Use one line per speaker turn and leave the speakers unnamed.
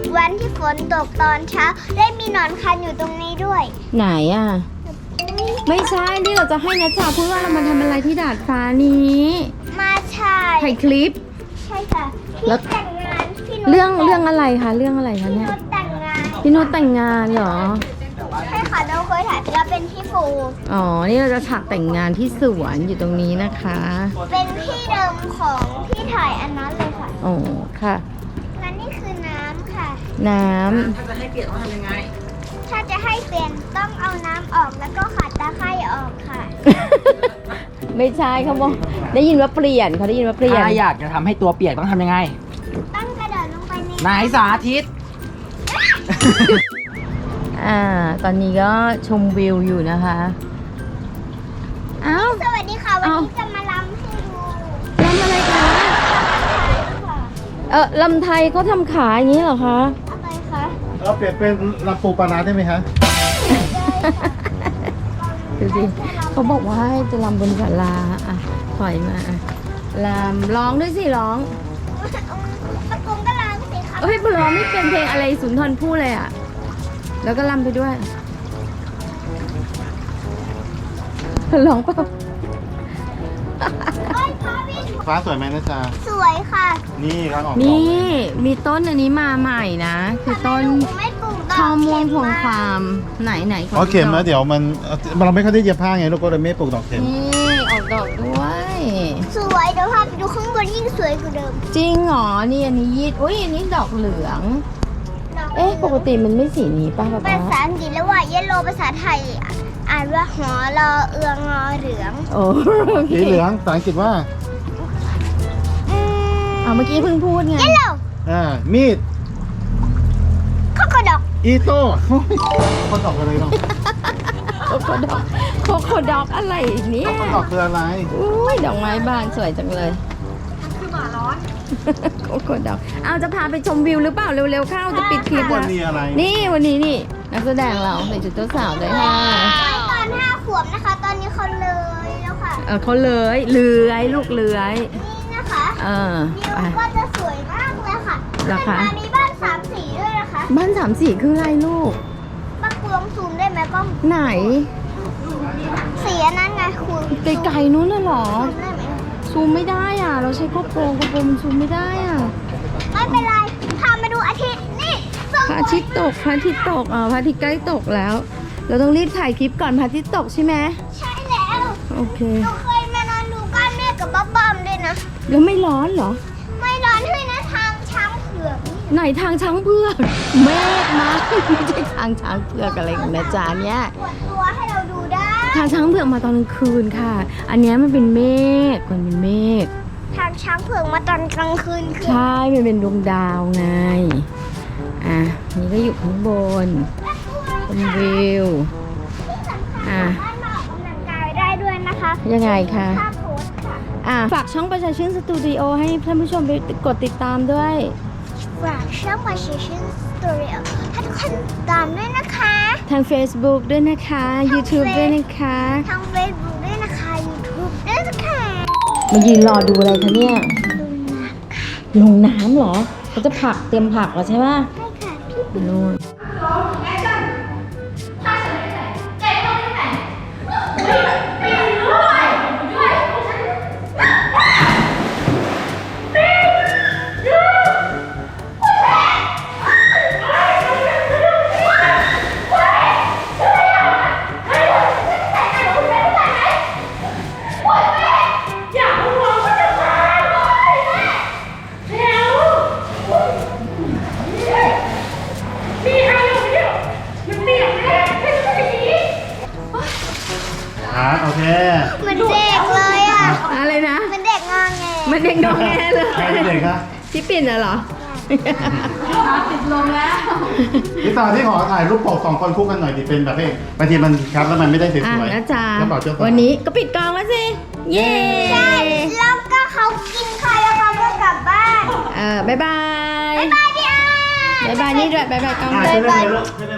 วันที่ฝนตกตอนเช้าได้มีหนอนคันอยู่ตรงนี้ด้วย
ไหนอ่ะไม่ใช่ที่เราจะให้นะจ๊ะพูดว่าเรามาทำอะไรที่ดาดฟ้านี้
มาถ่าย
ถ่ายคลิป
ใช่ค่ะ
แล้
พี่
ว
แต่งงานพี่นุช
เรื่องอะไรคะเรื่องอะไรคะ
พี่
เนี่ย
นุชแต่งงาน
พี่นุชแต่งงานเหรอ
ใช่ค่ะเราเคยถ่ายไปแล้วเป็นที่ปู
อ๋อนี่เราจะฉากแต่งงานที่สวนอยู่ตรงนี้นะคะ
เป็นที่เดิมของที่ถ่ายอันนั้นเลยค่ะ
อ๋อค่ะ
และนี่คือน้ำค่ะ
น้ำ
ถ้าจะให้เปลี่ยนต้องทำยังไง
ถ้าจะให้เปลี่ยนต้องเอาน้ำออกแล้วก็ขัดตะไคร่ออกค่ะ
ไม่ใช่เขาบอกได้ยินว่าเปลี่ยนเขาได้ยินว่าเปลี่ยน
ถ้าอยากจะทำให้ตัวเปียกต้องทำยังไง
ต้องกระโดดลงไปใน
ไหนสาธิต
ตอนนี้ก็ชมวิวอยู่นะคะเอ้า
สวัสดีค่ะ วันนี้จะมาลำให้ดู
ลำอะไรคะ
ค่ะ
ลำไทยเขาทำขายอย่างนี้เหรอคะ
อะไรคะ
เราเปลี่ยนเป็นลำปูปลาร้าได้ไหมคะ
ดูสิเขาบอกว่าให้จะลำบนศาลาอ่ะถอยมาอ่ะลำร้องด้วยสิร้อง
ตะกงก็ล้างสิคะ
เอ้ยร้องไม่เป็นเพลงอะไรสุนทรภู่เลยอ่ะแล้วก็ลำไปด้วยร้องเปล่า
เอ้ยพาพี่ถูก
ฟ้าสวยไหมนะจ๊ะ
สวยค่ะ
นี่ร้านออกดอก
นี่มีต้นอันนี้มาใหม่นะคือต้น
ทำไมหนูไม่ปลูกดอก
ข้าวม่วงพวง
เข็
ค
ม
วามไหนไหนข
อ๋อเข็มแล้ว
ดู
เดี๋ยวมันเราไม่ค่อยได้เย็บผ้าไงลูกก็เลยไม่ปลูกดอกเข็ม
นี่ออกดอกด้วย
สวยเดี๋ยวพาไปดูข้างบนยิ่งสวยกว่าเดิม
จริงเหรอนี่อันนี้ยีดอุ้ยอันนี้ดอกเหลือง
ดอก
เอ๊ะปกติมันไม่สีนี้ป่ะป๊า
ภา
ป๊า
ษาอังกฤษแล้วว่าเยลโลภาษาไทยอ่านว่าหอรอเอืองงอเหลือง
โอ้โอเค
สีเหลืองภาษาอังกฤษว่า
เอาเมื่อกี้เพิ่งพูดไง
เยลโล
มีด
ข้าวดอก
อีโต้คนดอกอะไรเนาะ
โคโคดอกโคโคดอกอะไรเนี่ย
คนดอกคืออะไร
อุ้ยดอกไม้บานสวยจังเลยคือหมาร้อนโคโคดอกเอาจะพาไปชมวิวหรือเปล่าเร็วๆเข้าจะปิดคลิป
วั
แล้ว
นนี้อะไร
นี่วันนี้นี่นักแสดงเราใส่ชุดเจ้าสาวด้วยค่ะ
ตอน5 ขวบนะคะ ตอนนี้เขาเลยแล้วค่ะ
เขาเลื้อยลูกเลื้อย
นี่นะคะ
ไป
วิวก็จะสวยมากเลยค่ะ
เหรอคะ
ขึ้นมามีบ้าน3 สีด้วยนะคะ
บ้านสามสีคืออะไรลูก
ป้ากูลองซูมได้ไหมกล้อง
ไหน
สีอันนั้นไงคุณ
ไกลๆนู้นน่ะเหรอ
ซูมได้ไหม
ซูมไม่ได้อ่ะ เราใช้โกโปรมันซูมไม่ได้อ่ะ
ไม่เป็นไรพามาดูอาทิตย์นี่สวย
พระอาทิตย์ตกพระอาทิตย์ตกพระอาทิตย์ใกล้ตกแล้ว เราต้องรีบถ่ายคลิปก่อนพระอาทิตย์ตกใช่ไหม
ใช่แล้ว
โอเค
หนูเคยมานอนดูก้อนเมฆกับบ๊อบอมด้วยนะ
แล้วไม่ร้อนเหรอ
ไม่ร้อนด้วยนะทางช้างเผือกนี่
ไหนทางช้างเผือกเมฆมาไม่ใช่ทางช้างเผือกอะไรของนะจ๊ะเนี่ย
ปวดตัวให้เราดูได้
ทางช้างเผือกมาตอนกลางคืนค่ะ อันเนี้ยมันเป็นเมฆมันเป็นเมฆ
ทางช้างเผือกมาตอนกลางคืนคือ
ใช่ มันเป็นดวงดาวไง นี่ก็อยู่ข้างบนชมวิว
ที่สำคัญสามารถมาออกกำลังกายได้ด้วยนะคะ
ยังไงคะ
ถ้าโพสต์ค่ะ
ฝากช่องประชาชื่นสตูดิโอให้ท่านผู้ชมไปกดติดตามด้วย
ฝากช่องมาชิชินสตูดิโอให้ทุกคนติดตามด้วยนะคะ
ทาง Facebook ด้วยนะคะ YouTube ด้วยนะคะ
ทาง Facebook ด้วยนะคะ YouTube ด้วยนะคะ
มายืนรอดูอะไรคะเนี่ย ลงน้ำเหรอเขาจะผักเตรียมผักแล้วใช่ไหม
ใช่ค่ะพี่
ไปนู่น
โอเค
เหมือนเด็กเลยอ่ะ
อะไรนะ
เหมือนเด็กงอแง
มันเด็กน้องแงเลย
ใครเป็นเด็กคะ
ที่ปิ่นน่ะเหรอ ติดลมแล้ว
พี่ตาที่ขอถ่ายรูปปก2 คนคู่กันหน่อยดิเป็นแบบนี้บางทีมันครับแล้วมันไม่ได้สวยๆ
นะจ๊ะ
แล้วบอกเจ้าสาว
วันนี้ก็ปิดกองแล้วสิ เย้
ใช่แล้วก็เขากินข้าวแล้วเขาก็กลับบ้าน
บ๊ายบาย
บ๊ายบายพี่อา
บ๊ายบายนี่ด้วยบ๊ายบายกอง
อ่ะ
ด้วย
ช่วยเล่นเลยลูกช่วยเล่น